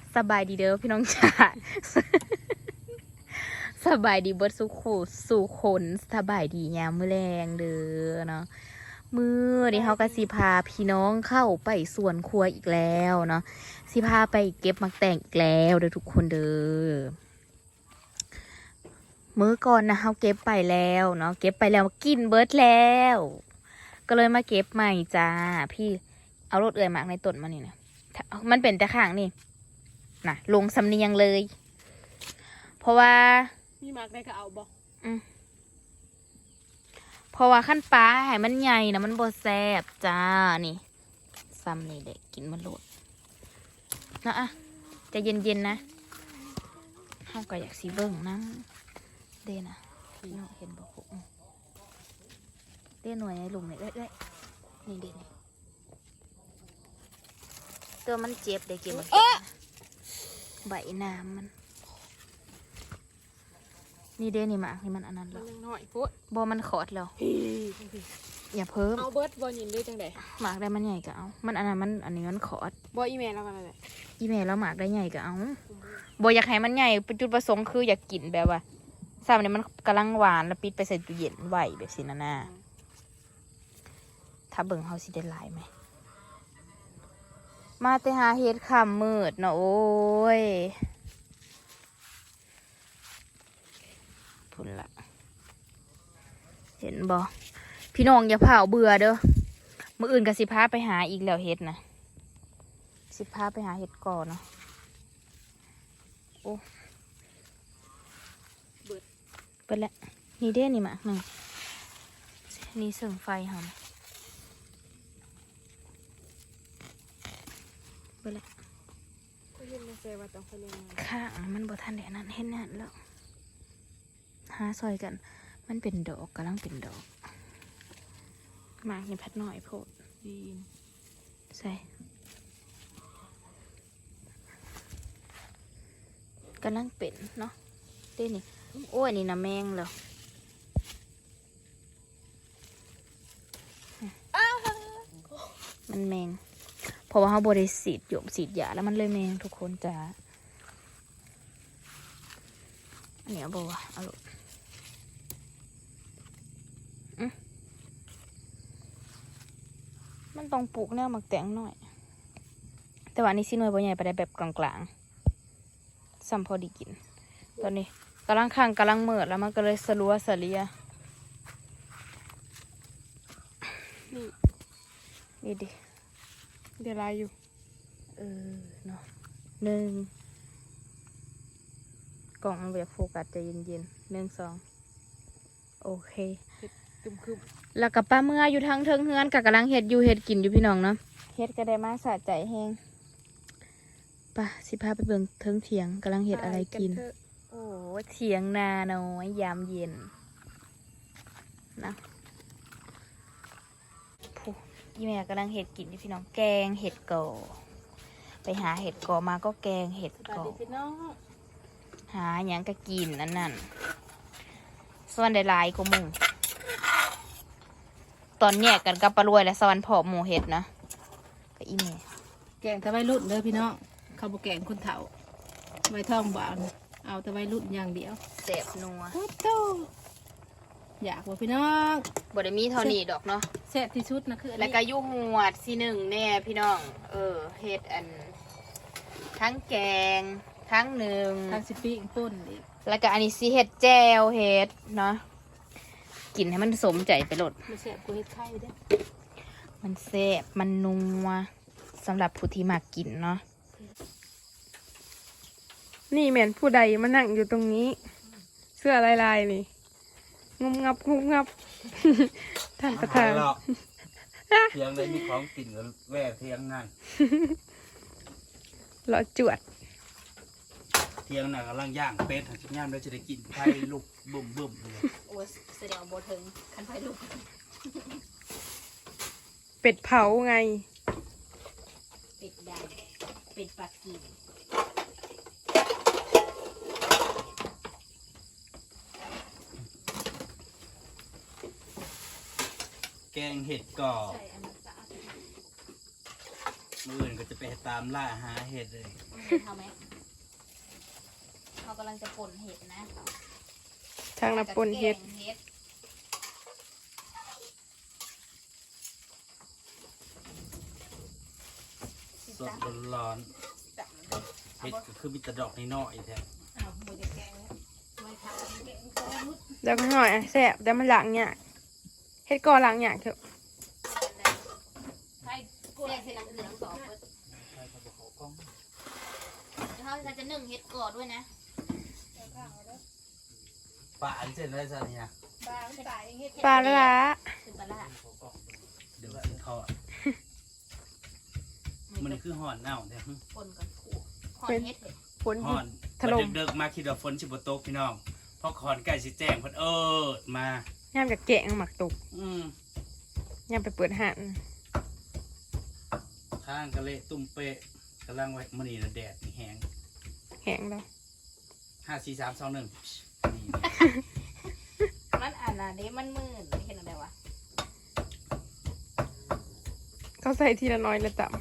สบายดีเด้อพี่น้องจ๋า สบายดีเบิดสู่คนสบายดียามมื้อแรงเด้อเนาะมื้อนี้เฮาก็สิพาพี่น้องเข้าไปสวนครัวอีกแล้วเนาะสิพาไปเก็บมักแต่งอีกแล้วเด้อทุกคนเด้อมื้อก่อนนะเฮาเก็บไปแล้วเนาะเก็บไปแล้วกินเบิดแล้ว ก็เลยมาเก็บใหม่จ้าพี่เอารถเอื่อยมากในต้นมานี่นะมันเป็นแต่ข้างนี่นะลงสำเนียงเลย เพราะว่ามีมากได้ก็เอาบอกเพราะว่าขั้นปลาให้มันใหญ่นะมันบ่แซ่บจ้านี่ซ้ำนี่เด็กกินมันโลดนะอ่ะจะเย็นๆนะห้ามก็อยากสีเบิ่งนะเด้นะพี่น้องเห็นบ่คุเด้หน่วยในหลุมนี่เอ้ยนี่เด้นี่ตัวมันเจ็บเด็กกินมันใบน้ำมันนี่เด้นี่หมากนี่มันอันนั้นแล้วมันยังน้อยพุดบ่มันขอดแล้วอย่าเพิ่มเอาเบิร์ดบอยินด้วยจังไดหมากได้มันใหญ่ก็เอามันอันนั้นมันอันนี้มันขอดบออีเมลแล้วกันอะไรอีเมลแล้วหมากได้ใหญ่ก็เอาบ่อยากให้มันใหญ่จุดประสงค์คืออยากกินแบบว่าซ้ำเนี่ยมันกำลังหวานแล้วปิดไปใส่ตู้เย็นไว้แบบสิน่ะถ้าเบิ่งเฮาสิได้หลายไหมมาแต่หาเฮ็ดค่ำมืดเนาะโอ้ยพุ่นละเห็นบ่พี่น้องอย่าเผาเบื่อเด้อมื้ออื่นก็สิพาไปหาอีกแล้วเฮ็ดนะสิพาไปหาเฮ็ดก่อนเนาะโอ้เบิดแล้วนี่เด้นี่มาหนึ่งนี่เสริงไฟหอมเบิดแล้วก็ยืนในเซว่าต้องไปเรียนมาข้างมันบ่ทันได้นั้นเห็นนั่นแล้วหาซอยกันมันเป็นดอกกำลังเป็นดอกมากนี่พัดหน่อยโพดดีใส่กำลังเป็นเนาะเด้นี่โอ้ยนี่นะแมงเหรอมันแมงเพราะว่าเขาบริสีดหยมสีดยาแล้วมันเลยแมงทุกคนจ้าอันนี้เอาบ่วะเอาลูกมันต้องปลูกแนวหมักแตงหน่อยแต่ว่านี่สิหน่วยบ่ใหญ่ไปได้แบบกลางๆซ้ำพอดีกินตอนนี้กำลังข้างกำลังเมิดแล้วมันก็เลยสลัวสลียนี่ดิเดี๋ยวลายอยู่เนาะหนึ่งกล่องมันแบบโฟกัสจะเย็นๆ1 2โอเคคึมแล้วกับป้าเมื่ออยู่ทางเทิงเฮือนกับกำลังเห็ดอยู่เห็ดกินอยู่พี่น้องเนาะเห็ดก็ได้มาสะใจแห้งป่ะสิพาไปเบิ่งเทิงเถียงกำลังเห็ดอะไรกินโอ้เถียงนาน้อยยามเย็นนะผู้ยี่แม่กำลังเห็ดกินอยู่พี่น้องแกงเห็ดก่อไปหาเห็ดก่อมาก็แกงเห็ดก่อหาอย่างก็กินนั่นส่วนได้หลายก็มึงตอนแยกกันกับปลารวยและสวรรค์ผอมหมูเห็ดนะก็อีเมแกงตะไบรุ่นเด้อพี่น้องข้าวบแกงคนเฒ่าใบทองบางเอาตะไบรุ่นอย่างเดียวเสพนัวโตอยากว่าพี่น้องบดมีเท่านี้ดอกเนาะแซ่บที่สุดนะคือแล้วก็ยุ่งหวดสีหนึ่งแน่พี่น้องเห็ดอันทั้งแกงทั้งหนึ่งทั้งสิปีป่นอีกแล้วก็อันนี้สีเห็ดแจวเห็ดเนาะกินให้มันสมใจไปหลดมันแซ่บกว่าเห็ดไข่เด้มันแซ่บมันนัวสำหรับผู้ที่มากินเนาะนี่เหม็นผู้ใดมานั่งอยู่ตรงนี้เสื้อลายๆนี่งุบงับท่านประธานเทียงได้มีของกินกับแว่เทียงนั่นหล่อจวดเทียงนั่นกำลังย่างเป็ดหันย่างแล้วจะได้กินไฟลุกบุ่มเลยโอ้แสดงโบถึงคันไฟลุกเป็ดเผาไงเป็ดดำเป็ดปักกิ่งแกงเห็ดก่อมื้ออื่นก็จะไปตามล่าหาเห็ดเลยเห็ดเขาไหมเขากำลังจะป่นเห็ดนะทางน้ำปนเห็ดแกงเห็ดสดร้อนๆเห็ดก็คือมีแต่ดอกน้อยๆแท้เอาหมูจะแกงไม่ทำแกงก็มุดเดี๋ยวก็หน่อยแซ่บเดี๋ยวมันหลังเนี่ยเฮ็ดก่อหลังเนี่ยเถอะใช่กูแกงเสร็จแล้วเหลืองสองเปิดใช่ครับเขากล้องเขาจะนึ่งเห็ดก่อด้วยนะปลาอันเช่นไรซะเนี่ยปลาละคือปลาร้าเดี๋ยวสิทอดมันคือห่อนเน่าเนี่ยป่นกับขู่หอมเห็ดเห็ดฝนห่อนถล่มเดิกๆมาคิดว่าฝนสิบ่ตกพี่น้องเพราะคอนใกล้สิแจ้งเพิ่นมาย่ามจะแกะหมักตุก ย่ามไปเปิดหันข้างกะเละตุ้มเป๊ะกำลังไว้มื้อนี้น่ะแดดนี่แห้งแห้งแล้ว 5 4 3 2 1นี่มันอ่านนะเด้มันมืดเห็นอะไรวะเขาใส่ทีละน้อยละต่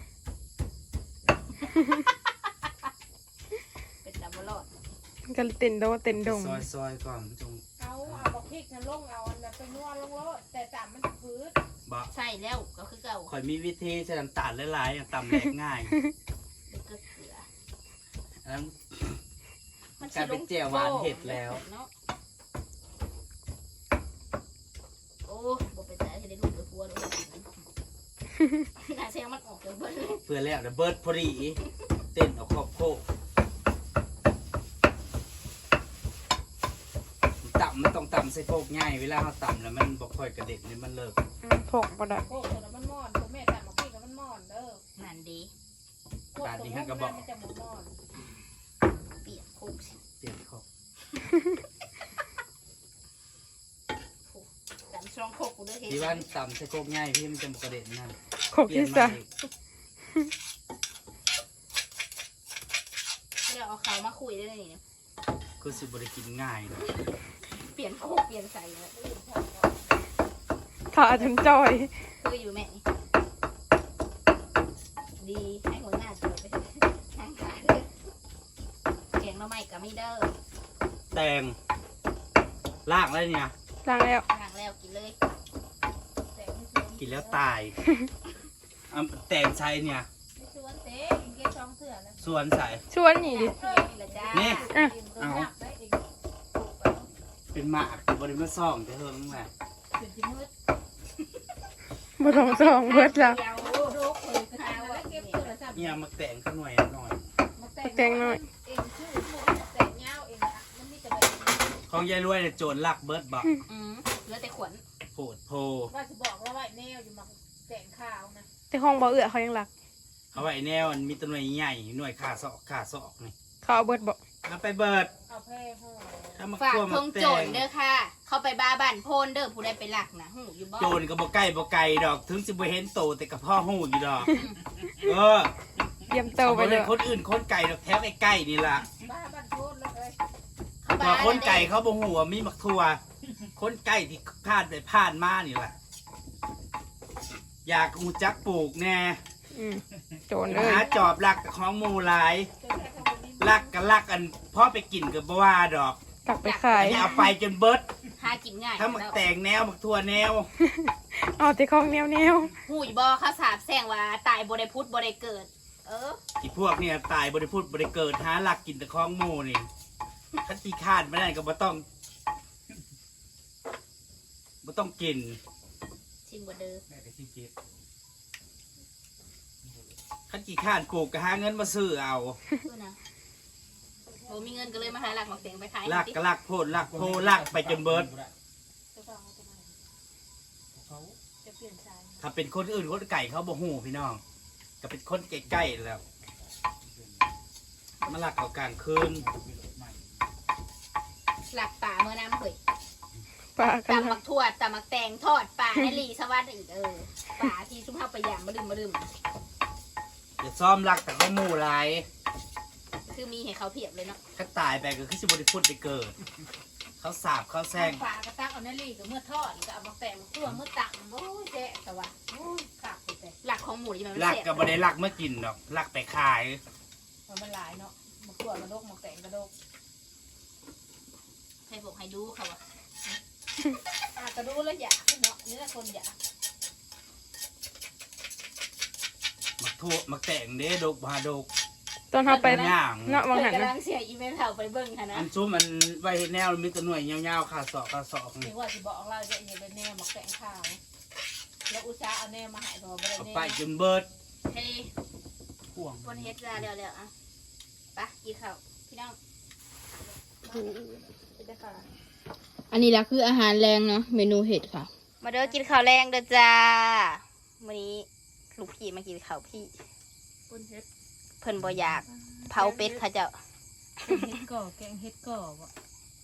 เป็นดับเบิลรอดำก็เต้นโดเต้นดงซอยก่อนจงเอาบอกพริกนะลงเอาอันนั้นไปนวดลงโลดแต่ตามมันจะพื้นบ่ใช่แล้วก็คือเก่าข่อยมีวิธีใช้น้ำตาลหลายๆอย่างตำแหลกง่ายเด็กเกลืออันนั้นมันกลายเป็นแจ่วหวานเห็ดแล้วเนาะโอ้บอกไปแต่ให้ได้ลูกเดือดพัวด้วยน่าเสียงมันออกจากเบิ้ลเลยเพื่อแล้วเดี๋ยวเบิร์ดพอดีเต้นเอาครอบโคกต่ำมันต้องต่ำใส่โคกง่ายเวลาเขาต่ำแล้วมันบอกค่อยกระเด็นนี่มันเลิกพกบ่ได้โอ้โหแล้วมันมอนตัวแม่ตามบอกพริกแล้วมันมอนเด้อนั่นดีพวกตัวมันมันจะหมดมอนเปียกคุกสิเปลี่ยนครอบแต่ช่องโคกกูด้วยเห็ดที่ว่าต่ำใส่โคกง่ายพี่มันจะบอกกระเด็นนั่นโคกที่สามเดี๋ยวเอาเขามาคุยได้เลยนี่คือสิบริกินง่ายเนาะเปลี่ยนโคกเปลี่ยนใส่เลยขาจนจอยคืออยู่แม่นี่ดีให้หัวหน้าเจอไปทางขาเลยแกงหน่อไม้กับมีเดอร์แตงล่างอะไรเนี่ยล้างแล้วทางแล้วกินเลยแต่ไม่ชวนกินแล้วตายแตงใช้เนี่ยไม่ชวนเต้กินแค่ช่องเถื่อนนะส่วนใส่ชวนนี่ดินี่แหละจ้านี่อ่ะกินตัวหนักได้เองเป็นหมากบริมาซ่องแต่เฮิงแหละเป็นที่มืดบ่ต้องส่องเบิดแล้วเดี๋ยวโรคเลยกระทาแล้วเก็บโทรศัพท์เนี่ยมาแตงข้าวหน่อยหน่อยมาแต่งเองชื่อแต่งเงาเองอะมันมีแต่แบบของยายรวยเนี่ยโจรลักเบิร์ดบอกเหลือแต่ขวัญโผดโพว่าจะบอกว่าไว้แนวอยู่มาแต่งข้าวนะแต่ห้องบ่เอื้อเขายังรักเอาไว้แนวมันมีตัวหน่วยใหญ่หน่วยขาศอกนี่เขาเอาเบิดบ่เอาไปเบิร์ดเอาแพร่ห่อถ้ามาฝากคั่วทมาง แตโจรงเด้อค่ะ เข้าไปบ้าบ้านโพนเด้อผู้ใดไปหลักนะหูอยู่บ่โจรก็บ่ใกล้บ่ไกลดอก ถึงสิบ่เห็นโตแต่กับพ่อหูอยู่ดอก เออเตรียมเตาไปบ่เลได้ยคนอื่นคนไก่ดอกแถวใกล้ๆนี่ล่ะบ้าบ้านโคตรเลยเข้าพบ้าอคนไก่เขาบ่ฮู้ว่ามีมักทั่วคนไก่ที่ผ่านไปผ่านมานี่ล่ะ อยากฮู้จักปลูกแน่โจรเลยหาจอบลักกับของหมู่หลายจนแค่ทำนี้ลักก็ลักอันพ่อไปกินก็บ่ว่าดอกตักไปขายอันนี้เอาไปจนเบิดหากินง่ายถ้ามักแตงแนวมักทั่วแนวเอาแต่ของแนวหูอยู่บ่เขาสาบแซงว่าตายบ่ได้พุทธบ่ได้เกิด เออที่พวกเนี่ยตายบริพูดบริเกิดหาหลักกินแต่ของหมูนี่ถ้าขี้คร้านไม่ได้ก็บ่ต้องกินชิมบ่เด้อแม่ก็ขี้เกียจถ้าขี้คร้านปลูกก็หาเงินมาซื้อเอาคือนะบ่มีเงินก็เลยมาหาหลักหมอกเสียงไปขายลักก็ลักโพดลักโพลักไปจนเบิดจะฟังเอาทำไมจะเปลี่ยนใจถ้าเป็นคนอื่นคนไก่เขาบ่หูพี่น้องก็เป็นคนใกล้ๆแล้วมาลักเอากลางคืนหลักป่าเมื่อน้ำเผยๆปลากันตำมักถั่วตำมักแตงทอดป่าในลีสวัสดิ์อีกป่าที่ชุ่มเฮาไปย่างมาลืมอย่าซ้อมลักแต่เขาหมูหลายคือมีให้เขาเพียบเลยเนาะถ้าตายไปก็คือสิบริพูดไปเกิด เขาสาบเขาแซงฝากระตักเอาในรีกับเมื่อทอดก็เอามาแต่งตัวเมื่อตักโอ้ยแจ๊ะแต่ว่าโอ้ยขาดไปแต่หลักของหมูนี่มันลักเสียก็บ่ได้ลักเมื่อกินดอกลักไปขายมันหลายเนาะมันขวดกระดกมันแตงกระดกให้บอกให้ดูเขาอะกระดูแล้วอยากเนาะนี่แหละคนอยากมักทั่วมักแต่งเด้ดกบาดกตอนเฮาไปย่างเนาะวางหันกำนะลังเสียอีเมลเขาไปเบิ่งค่ะนะอันซุ้มมันไว้เฮ็ดแนวมีแต่หน่วยยาวๆขาดศอกขาดศอกถึงว่าจะบอกเราจะอย่าเป็นแน่หมักแตงข้าวแล้วอุตส่าห์เอาแน่มาให้ตัวไม่ได้เอาแน่ไปจนเบิดเฮ้ยพ่วงบนเฮ็ดจ้าเร็วๆอ่ะไปกินข้าวพี่น้องอันนี้ละคืออาหารแรงเนาะเมนูเห็ดค่ะ มาเด้อกินข้าวแรงเด้อจ้าวันนี้ลูกพี่มากินข้าวพี่คนเฮ็ดเพิ่นบ่อยากเผาเป็ดค่ะเจ้าเฮ็ดก่อแกงเฮ็ดก่อวะ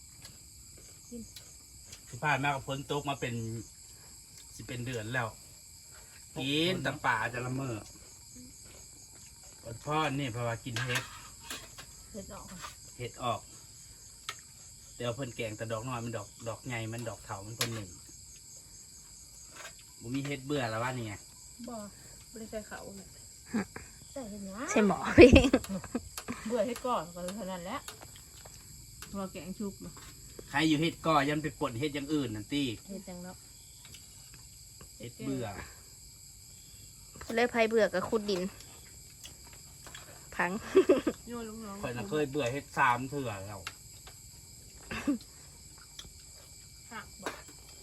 ที่ผ่านมากับฝนตกมาเป็นสิเป็นเดือนแล้วกินแต่ป่าจะละเมอพ่อนี่เพราะว่ากินเฮ็ดเฮ็ดออกเฮ็ดออกเดี๋ยวเพิ่นแกงแต่ดอกน้อยมันดอกใหญ่มันดอกเถามันคนหนึ่งบ่มีเฮ็ดเบื่อแล้วว่านี่ไงบ่ไม่ได้ใส่เขาเนี่ยใส่เห็นนะใช่หมอพี่เบื่อเฮ็ดก่อก็เท่านั้นแหละเราแกงชุบใครอยู่เฮ็ดก็ยันไปปนเฮ็ดอย่างอื่นนั่นตี้เฮ็ดจังเนาะเฮ็ดเบื่อเลยไผเบื่อกับขุดดิน พังโยนลูกน้องข่อยน่ะเคยเบื่อเฮ็ด3เทื่อแล้วหักบ่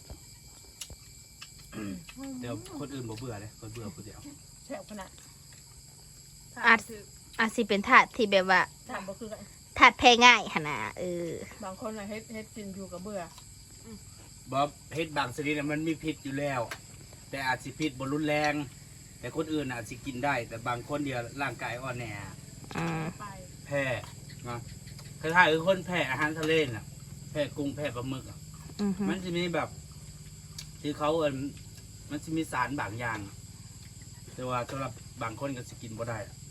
เดี๋ยวคนอื่นบ่เบื่อเลยคนเบื่อคนเดียวแซ่บขนาดอาจสิเป็นถาดที่แบบว่าถามบ่คือกันถาดแพ้ง่ายหั่นน่ะบางคนน่ะเฮ็ดกินอยู่กับเบื่อบ่เฮ็ดบางชนิดน่ะมันมีพิษอยู่แล้ว แต่อาจสิพิษบ่รุนแรง แต่คนอื่นอาจสิกินได้ แต่บางคนเดียวร่างกายอ่อนแออืมไปแพ้นะคล้ายๆคือคนแพ้อาหารทะเลน่ะแพ้กุ้งแพ้ปลาหมึกอ่ะอือฮึมันจะมีแบบที่เขามันจะมีสารบางอย่าง แต่ว่าสำหรับบางคนก็สิกินบ่ได้อะ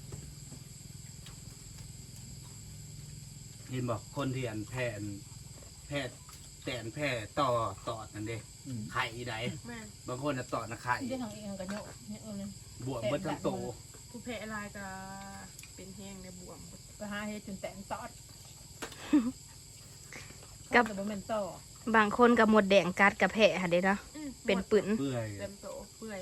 เห็นบอกคนที่แพ้แต่แพ้ต่อนั่นเด้ไข่ใดแม่บางคนน่ะต่อนะไข่ที่ได้ทางเองกันโยกเนี่ยเลยบวมเบิดทั้งโตผู้แพ้ลายก็เป็นแห้งในบวมก็หาเฮ็ดจนแตนตอดแต่บ่แม่นต่อบางคนกับหมดแดงกัดกับแพ้ค่ะเด้เนาะเป็นปืนเปื่อยเต็มโตเปื่อย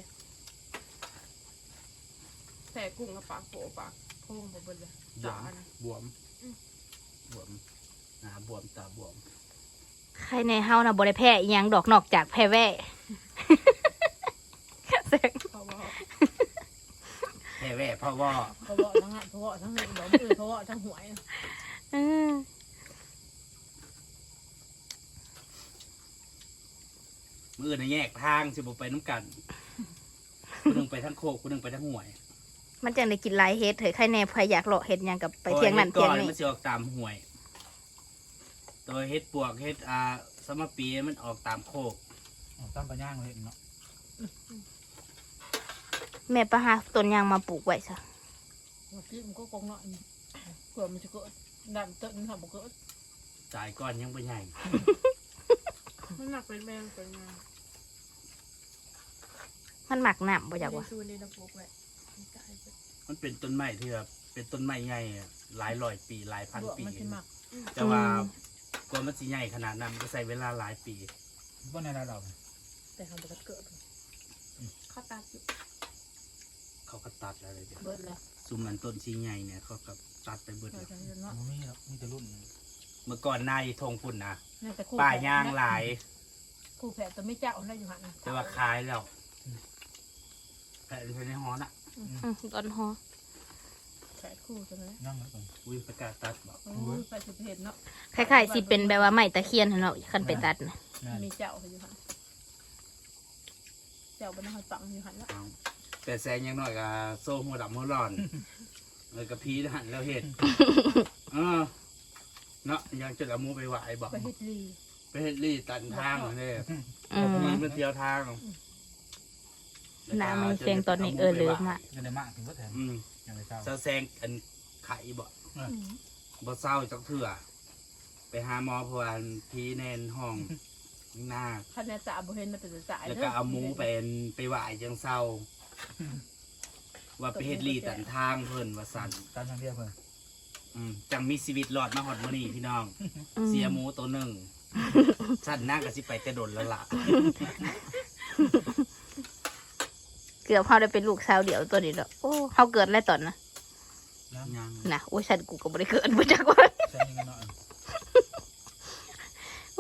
แผลกุ้งกับปากโปปากโค้งบ่เบิดเลยบวตาม นะบวมบวมหน้าบวมตาบวมใครในเฮาน่ะบ่ได้แพ้อีหยังดอกนอกจากแพ้แว่เพราะว่าแพ้แว่เพราะว่าทั้งหันเพราะว่าทั้งหันบ่มือเพราะว่าทั้งหวยอืมมือในแยกทางสิบ่ไปน้ำกันคนหนึ่งไปทั้งโคกคนหนึ่งไปทั้งห่วยมันจังได้กินหลายเฮ็ดเถอะใครแน่พายอยากเลาะเฮ็ดหยังกับไปเที่ยงนั่นพราะเที่ยงว่าฮ็ดก่อนี้มันสิออกตามห่วย ตัวเฮ็ดปวกเฮ็ดสมปีมันออกตามโคกตั้งปลาย่างเลยเนาะแม่ปะหาต้นยางมาปลูกไว้ซะเมื่อกี้มันก็กงเนาะเผื่อมันจะเกิดดันเติมทำบ่เกิดจ่ายก้อนยังไม่ใหญ่มันหนักเป็นแมงเป็นงานมันหมักน้ำบ่อยากว่าซูนี่นะพวกแหละมันเป็นต้นไม้ที่แบบเป็นต้นไม้ใหญ่อะหลายร้อยปีหลายพันบวกปีมันสิหมักแต่ว่ากว่ามันสิใหญ่ขนาดนั้นมันก็ใช้เวลาหลายปีว่าในเราแต่ทำบ่เกิดข้าวตาอยู่เขาก็ตัดอะไรเดี๋ยวเบิดแล้วซุมมันต้นชีใหญ่เนี่ยเขาก็ตัดไปเบิดเราแล้วจะเนาะไม่มีหรอกมีแต่รุ่นเมื่อก่อนนายทงพุ่นนะน่าจะคู่ป่าย่างหลายคู่แผลตัวไม่เจ้าได้อยู่หันแต่ว่าขายแล้วแผ่นในหอน่ะต้นหอแผลคู่ใช่ไหมย่างแล้วก่อนอุ้ยประกาศตัดบอกโอ้ยไปสุดเห็นเนาะคล้ายๆสิเป็นแบบว่าไม้ตะเคียนหั่นเนาะคันไปตัดน่ะมีเจ้าอยู่หันเจ้าบนหันตังอยู่หันแล้วเอาแต่แซงยังน้อยกับโซ่หัวดำหัวร้อนเลยกับพีทหันแล้วเห็ดเออเนาะยังจะเอาหมูไปไหวบอกไปเฮ็ดลีไปเฮ็ดรี่ตันทางเลยอืมมีมันเที่ยวทางน้ำมันแข็งตอนนี้ลืมอ่ะยังได้มากถึงก็แถมอืมยังได้เจ้าเจ้าแซงอันไข่บ่บ่เศร้าจักเถื่อไปหาหมอเพราะว่าพีแนนห้องหน้าคันแน่จ่าบ่เห็นน่ะเป็นจ่าแล้วก็เอาหมูไปไหวจังเศร้าว่าไปเฮ็ดลีตันทางเพิ่นว่าสั่นตามทางเดียวเพิ่นจังมีชีวิตรอดมาฮอดมื้อนี้พี่น้อง เสียหมูตัวหนึ่งสั่นนั่งก็สิไปแต่โดนแล้วล่ะเกือบเขาได้เป็นลูกสาวเดี่ยวตัวนี้แล้วโอ้เขาเกิดแล้วตอนนะยังนะโอ้ยฉันกูก็บ่ได้เกิดมาจากวันใช้ยังไงเนาะโอ้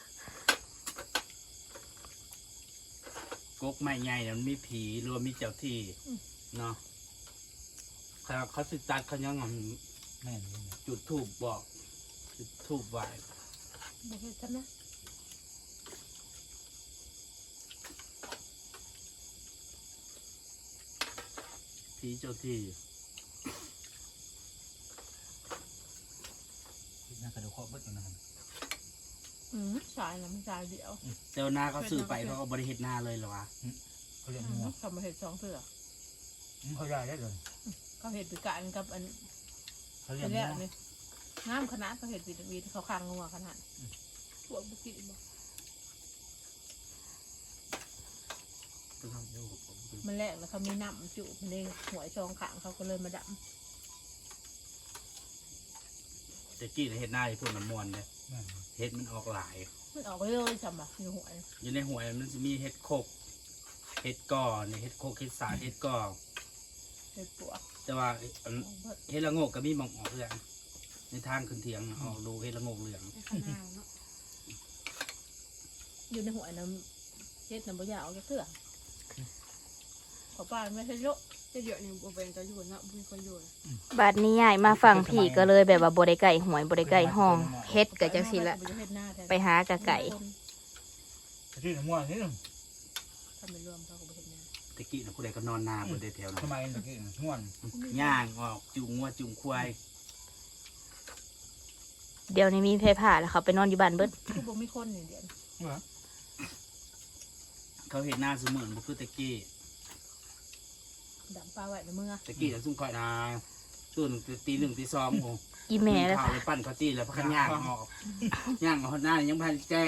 กกไม้ใหญ่เนี่ยมันมีผีหรือว่ามีเจ้าที่เนาะเขาสิตัดเขายังแม่นเลยจุดธูปบอกจุดธูปไหว้บ่เฮ็ดซะนะผีเจ้าที่น่ากระดูกคอเบิดอยู่นั่นสายน่ะมันสายเดียวเจ้าหน้าเขาซื้อไปเขาก็บริเฮ็ดหน้าเลยเหรอวะเขาเรียกงัวเขามาเฮ็ด2เทื่อเขาย้ายได้เลยเขาเฮ็ดด้วยกันกับอันเขาเรียกแรงักวนี่งามขนาดเขาเฮ็ดวีเขาคังงัวขนาดพวกบ่กินบ่ มันแรกแล้วเขามีน้ำจุมันเลยหัวชองขางเขาก็เลยมาดแต่กี้ในเฮ็ดหน้าที่พวกน้ำมวนเนี่ยแม่นเฮ็ดมันออกหลายำมันออกเลยจำบ่อยู่หัวอยู่ในหัวมันจะมีเฮ็ดโคกเฮ็ดก่อเนี่ยเฮ็ดโคกเฮ็ดสาเฮ็ดก่อเฮ็ดปวกแต่ว่าเฮ็ดละโงกก็มีหมองออกเรื่องในทางขึ้นเถียงออกดูเฮ็ดละโงกเหลืองอยู่ในหัวน้ำเฮ็ดน้ำบ่ยาวจะเถื่อขอป้าไม่ใช่เยอะจะเยอะนี่บ่เป็นจะอยู่นะบ่มีคนอยู่บัดนี้ใหญ่มาฝั่งผีก็เลยแบบว่าบ่ได้ไก่หวยบ่ได้ไก่ห้องเฮ็ดก็จังซี่ละไปหากะไก่ชื่องัวนี่ถ้าไม่รวมเขาก็บ่เฮ็ดนาตะกี้นะผู้ใดก็นอนนาบนได้แถวนั้ทำนไมตะกี้ง่วนย่างออกจุงงัวจุงควายเดี๋ยวนี้มีเพผ่าแล้วเขาไปนอนอยู่บ้านเบิดคือบ่มีคนนี่เดี๋ยวเหรอเขาเห็นหน้าเสมือนบ่คือตะกี้ดำปลาไว้ในมือตะกี้จะซุ่มคอยนาตื่นตีหนึ่งตีสองโมงอีแม่แล้วข้าวเลยปั้นข้าวจี้แล้วพักย่างออกย่างออกหน้ายังพันแจ้ง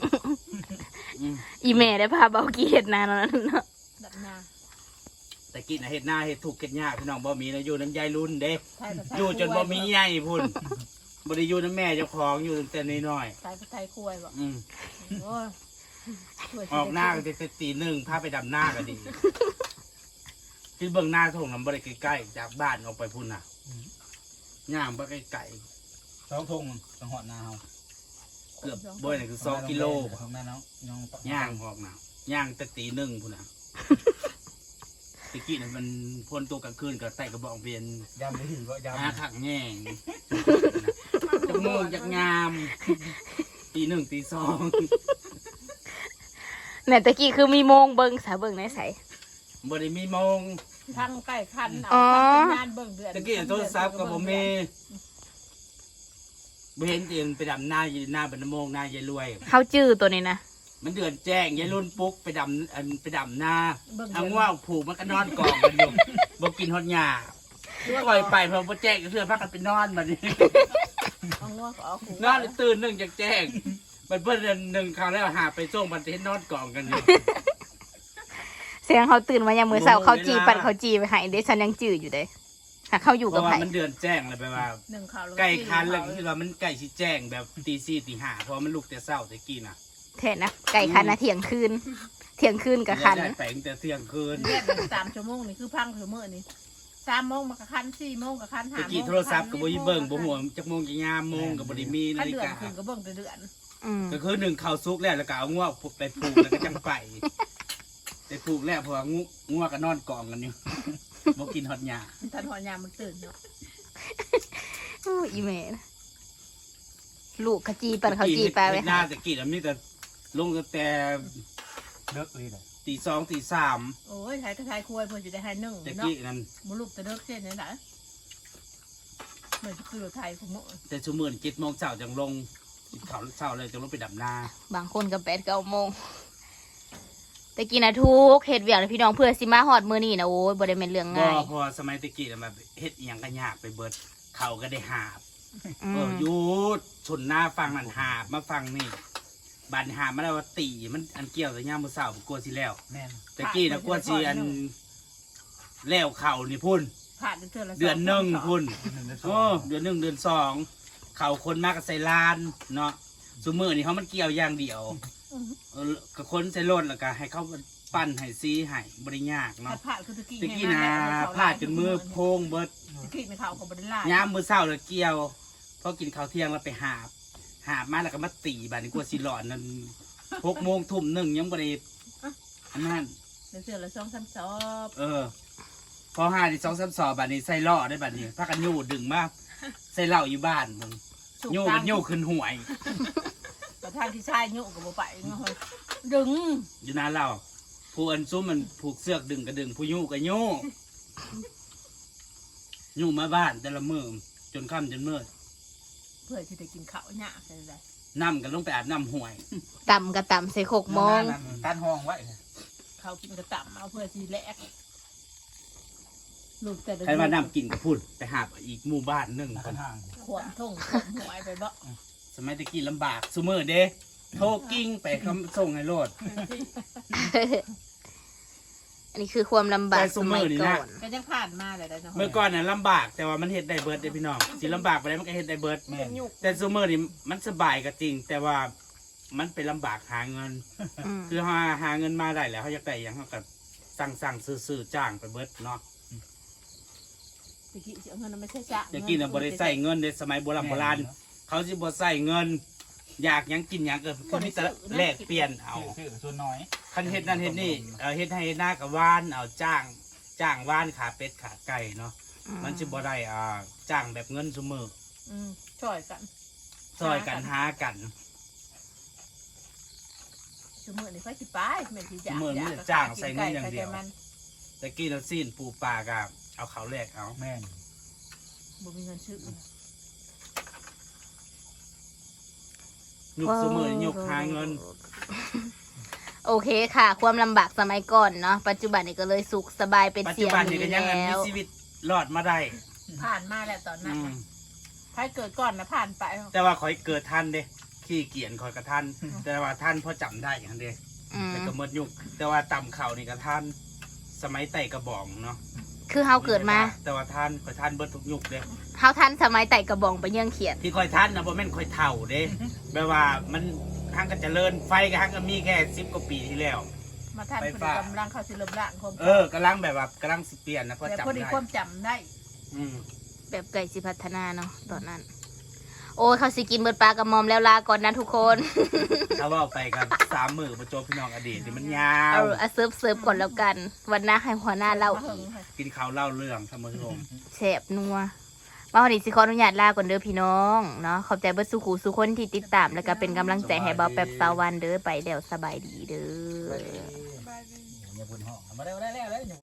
อีแม่ได้พาเบากี้เฮ็ดนานแล้วนั่นเนาะดำนาตะกี้นะเฮ็ดหน้าเฮ็ดถูกเฮ็ดยากพี่น้องบ่มีนะอยู่น้ำยายรุ่นเด้ใช่ก็ใช่อยู่จนบ่มีใหญ่พุ่นบ่ได้อยู่น้ำแม่เจ้าของอยู่ตั้งแต่น้อยใช่ก็ใช่คุยบ่ๆอืมโอ้ยออกหน้าก็จะตีหนึ่งพาไปดำหน้าก็ดีที่เบิ่งหน้าทงน้ำบ่ได้ใกล้ๆจากบ้านออกไปพุ่นน่ะย่างบ่ไกลสองทงสังหอดนาเฮาๆเกือบบ่นี่คือ2กิโลของแม่น้องน้องย่างออกน่ะย่างแต่ตีหนึ่งพุ่นน่ะตะกี้น่ะมันพ่นตัวกลางคืนก็ใส่กระบอกเบียนยำไปถึงก็ยำหาขังแง่งจะโมงจะงามตีหนึ่งตีสองแม่ตะกี้คือมีโมงเบิ่งสาเบิ่งในใสบ่ได้มีโมงทั้งใกล้คันอ๋องานเบิ่งเดือนตะกี้โทรศัพท์ก็บ่มีบ่เห็นตีนไปดำหน้าอยู่หน้าบันโมงหน้ายายรวยเขาจื้อตัวนี้นะมันเดือนแจ้งยายรุ่นปุ๊กไปดำหน้าเบิ่งทางว่าผูกมันก็นอนกองกันอยู่บ่กินฮอดหญ้าปล่อยไปเพอบ่แจ้งก็เทื่อพักกันไปนอนบัดนี้เอางัวก็เอาขู่นอนตื่นหนึ่งจากแจ้งมันเพิ่นเดือนหนึ่งคราวแล้วหาไปส่งบัดเห็นนอนกองกันอยู่เสียงเขาตื่นมาอย่างมื้อเช้าโอ้โหเขาจีเวลาปั่นเขาจีไปให้เด้ฉันยังจื้ออยู่เด้หากเขาอยู่เพกับราะไผว่ามันเดือนแจ้งเลยไปว่าหนึ่งข่าวแล้วไก่คันแล้วก็คือว่ามันไก่สิแจ้งแบบตีสี่ตีห้าเพราะมันลุกแต่เช้าแต่กี้น่ะแท้นะไก่คันนะเที่ยงคืนกับคันได้แต่งแต่เที่ยงคืนเรียก3 ชั่วโมงนี่คือพังคือมื้อนี่3 โมงมันก็คัน4 โมงก็คัน5 ตะโมงกี้โทรศัพท์ก็บ่มีเบิ่งบ่หัวจักโมงจักยามโมงก็บ่ได้มีคันาน ฬิเดือนกาขึ้นก็เบิ่งแต่เดือนอืมก็คือหนึ่งเข้าซุกแล้วแล้วก็เอางัวไปปลูกแล้วก็จังไปไปปลูกแล้วเพราะว่างัวก็นอนกองกันอยู่บ่กินฮอดหญ้าทันหอยามมันตื่นเนาะโอ้อีแม่นะลูกเขาจีปั่นเขาจีไปไว้หน้าตะกี้น่ะมีแต่ลงตั้งแต่เลิกเลยเลยตีสองตีสามโอ้ยไทยก็ไทยคุยเพิ่นสิได้ให้1 ตะเนาะกี้นั้นบ่ลูกแต่เลิกเส้นนี่ล่ะเหมือนคือไทยของมื้อแต่ชั่วโมง7 โมงเช้าจังลงเขาเช้าเลยจังลงไปดำนาบางคนก็8-9 โมงตะกี้นะทุกเฮ็ดเวียกเลยพี่น้องเพื่อสิมาฮอดมื้อนี้นะโอ้ยบ่ได้แม่นเรื่องก็ง่ายพอสมัยตะกี้น่ะแบบเฮ็ดอีหยังก็ยากไปเบิดเขาก็ได้หาบอืมหยุดชนหน้าฟังนั่นหาบมาฟังนี่บันหาบมาแล้วว่าตีมันอันเกี่ยวกับย่ามมือเสาร์กลัวสิแล้วแม่นตะกี้นะกลัวสิอันแล้วเข่านี่พุ่นผ่านเดือนละเดือนหนึ่งพุ่นโอ้เดือนหนึ่งเดือนสองเข่าคนมากกับใส่ลานเนาะซุมือนี่เขามันเกี่ยวอย่างเดียวกับคนใส่รถแล้วก็ให้เขาปั้นให้ซีให้บริยากเนาะผ่านคือตะกี้ตะกี้นะพลาดจนมือโพงเบิดตะกี้ในข่าวของบริลาย้ำมือเศร้าเลยเกี่ยวพอกินข้าวเที่ยงแล้วไปหาบมาแล้วก็มาตีบาดนี้กลัวสิหลอนนั่น6 โมงทุ่มหนึ่งยังบริอันนั้นเดือนละ2-3 สอบพอ5 2 3 สอบบาดนี้ใส่ล่อได้บาดนี้พากันโย่ดึงมาใส่เหล้าอยู่บ้านมึงโย่กันโย่ขึ้นหวยแต่ทางที่ชายโยกกับบ่ไปเนาะดึงอยู่นานเราผู้อันซุ้มมันผูกเสือกดึงก็ดึงผู้โย่ก็โย่โย่มาบ้านแต่ละมือจนค่ำจนมืดเพื่อที่จะกินข้าวหยาใช่ไหมน้ำกันลงไปอาบน้ำห่วยต่ำกับต่ำใส่6 โมงตันห้องไว้เขากินกระต่ำเอาเพื่อที่แลกลูกแต่ใครว่าน้ำกินก็พูดไปหาอีกหมู่บ้านหนึ่งกันห่างขวดท่งขวดหวยไปบ่สมัยตะกี้ลำบากซูเมอร์เด้โทรกิ้งไปคำส่งให้โลดอันนี้คือความลำบากแต่สมัยซุมื้อนี่ก่นะอนก็ยังผ่านมาเลยเนาะเมื่อก่อนน่ะลำบากแต่ว่ามันเฮ็ดได้เบิร์ดเด้พี่น้องสิลำบากไปแล้วมันก็เฮ็ดได้เบิร์ดแม่นแต่ซูเมอร์นี่มันสบายก็จริง แต่ว่ามันไปลำบากหาเงินมคือหาเงินมาได้แล้วเขาอยากได้อย่างเขาก็สั่งซื้อจ้างไปเบิร์ดเนาะตะกี้เงินไม่ใช่จ้ะตะกี้น่ะบ่ได้ใส่เงินในสมัยโบราณเขาสิบ่ใส่เงิน อยากหยังกินหยังก็คือมีแต่แลกเปลี่ยนเอาชื่อส่วนน้อยคันเฮ็ดนั่นเฮ็ดนี่เฮ็ดให้เฮ็ดหน้ากับว่านเอาจ้างว่านขาเป็ดขาไก่เนาะมันสิบ่ได้จ้างแบบเงินซุมือช่วยกันซอยกันหากันชั่วโมงนี้ค่อยสิไปแม่ที่จ้างมื้อนี้จ้างใส่เงินอย่างเดียวมันตะกี้เราซีนปูปลาก็เอาเขาแลกเอาแม่นบ่มีเงินซื้อยุคซุมือนี่ยุคหาเงินโอเคค่ะ ความลำบากสมัยก่อนเนาะปัจจุบันนี้ก็เลยสุขสบายเป็นปัจเสีจุยงบันนี่นี้ก็ยังแล้มีวชีวิตรอดมาได้ผ่านมาแล้วตอนนั้นอืมถ้าเกิดก่อนนะผ่านไปแต่ว่าขอยเกิดทันเด้ขี้เกียจขอยกระทัน แต่ว่าท่านพอจำได้อย่างเด้อืมแต่ก็หมดยุคแต่ว่าต่ำเข่านี่ก็ท่านสมัยไต่กระบอกเนาะคือเฮาเกิดมาแต่ว่าท่านคอยท่านเบิดทุกยุคเด้เฮาทันสมัยไต่กระบองไปเยื่องเขียดที่คอยท่านนะบ่แม่นคอยเท่าเด้ แบบว่ามันทางก็เจริญไฟก็ทางก็มีแค่10 กว่าปีที่แล้วมาท่านไปพอฝาดีกกำลังเข้าสิลมล่างคมกำลังแบบว่ากำลังสิเปลี่ยนนะพอแต่จำพอดีได้ความจำได้อืมแบบไก่สิพัฒนาเนาะตอนนั้น โอ้ยเขาสิกินเบิดปลากระมอมแล้วลาก่อนนะทุกคนถ้าว่าไปกัน3 มื้อประจบพี่น้องอดีตนี่มันยาวเอาเซิร์ฟก่อนแล้วกัน วันหน้าให้หัวหน้าเล่ามาอีก กินข้าวเล่าเรื่องท่านผู้ชมแสบนัวมาวันนี้สิขออนุญาตลาก่อนเด้อพี่น้องเนาะขอบใจเบิดสุขูสุคนที่ติดตามแล้วก็เป็นกำลังใจให้เบาแป๊บสาววันเด้อไปเดี๋ยวสบายดีเด้ออย่าพูดห้องมาได้แล้ว